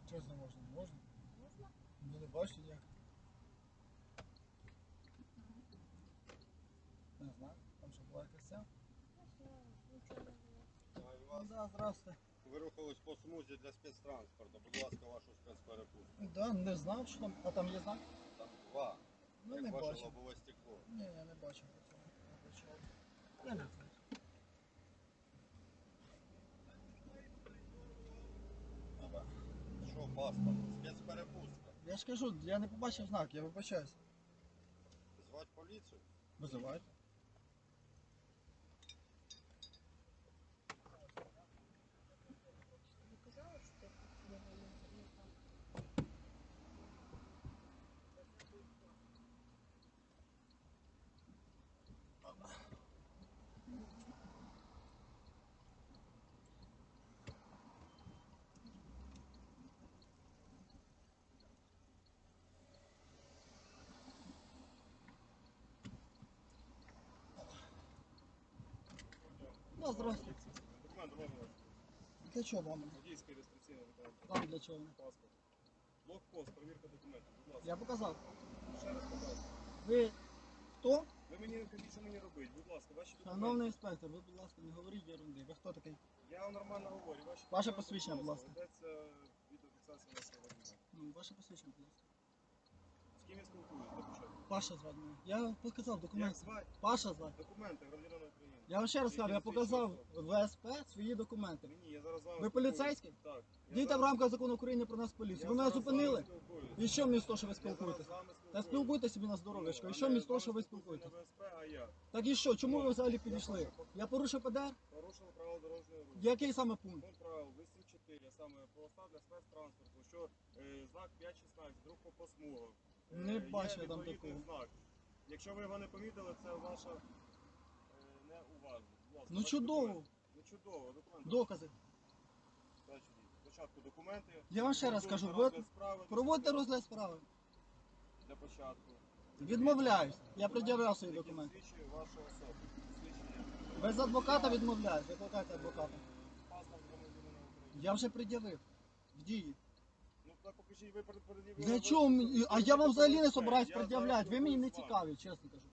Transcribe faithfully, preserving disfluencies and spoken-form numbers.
Чого це не можна? Можна? Можна? Ну не бачу ніяк. Не знаю, там що була якась ця? Не знаю, нічого не було. У Ну вас да, здрасте. ви рухались по смузі для спецтранспорту. Будь ласка, вашу спецперепустку. Да, не знав, що там. А там є знак? Там два. Ну як не ваше бачив. лобове стекло. Ні, я не бачив по цьому. Не почав. Не, не знаю. Ага. Що, паспорт? Спецперепустка. Я ж кажу, я не побачив знак, я вибачаюсь. Звати поліцію? Визивайте. Не казали, що ти його не, не так. Ну, здравствуйте. Документ можна вас? Для чого вам? Водійський реєстраційний документ. Вам для чого? Паспорт. Блокпост, перевірка документів. Будь ласка. Я показав. Ще раз показую. Ви хто? Ви мені кажіть, що мені робити. Будь ласка, ваші Шановний документи. інспектор, ви, будь ласка, не говоріть ерунди. Ви хто такий? Я вам нормально говорю. Ваші Ваше документи, посвідчення, будь ласка. Ведеться відеофіксація вашого водія. Ну, ваше посвідчення, будь ласка. З ким я спілкуюсь? До початку. Паша звати мене. Я показав Як документи. звати? Паша звати. Документи громадянина України. Я вам ще раз кажу, я Які показав засвідчують ВСП свої документи. Мені, я зараз з вами Ви спілкуюсь. поліцейський? Так. Я Дійте в зараз- рамках закону України про нас поліцію. я Ви мене зараз з вами зупинили? спілкуюсь. І що мені з того, що ви Я зараз спілкуєтесь? з вами Та спілкуюсь. спілкуйтесь собі на здоров'ячко. Ну, І що а мені не з того, з що вами ви спілкуюсь спілкуєтесь? не ВСП, а я. Так і що? Чому Ну, ви взагалі я підійшли? прошу- Я порушив ПДР? Порушили правила дорожнього руху. Який саме пункт? Пункт правил вісім чотири, саме полоса для спецтранспорту, що е, знак п'ять шістнадцять, рух по посмугах. Е, Не є бачу я там відповідний такого. знак. Якщо ви його не помітили, це ваша е, неуважність. Будь ласка, Ну ваші чудово. документи. Ну чудово, документи. Докази. Дальше дійсно. Спочатку документи. Я вам ще раз Проводимо кажу, розгляд ви справи, проводьте розгляд справи. для початку. Відмовляюсь. Я Документи, пред'являв свої які документи. засвідчують вашу особу. Посвідчення. Без адвоката відмовляюсь. Викликайте адвоката. Е, Паспорт громадянина України. Я вже пред'явив. В дії. Ну так покажіть, ви перед- перед'явили. Для ви- чого мені? А я вам взагалі не Я собираюсь зараз пред'являти. Ви мені не спілкуюсь з вами. цікаві, чесно кажу.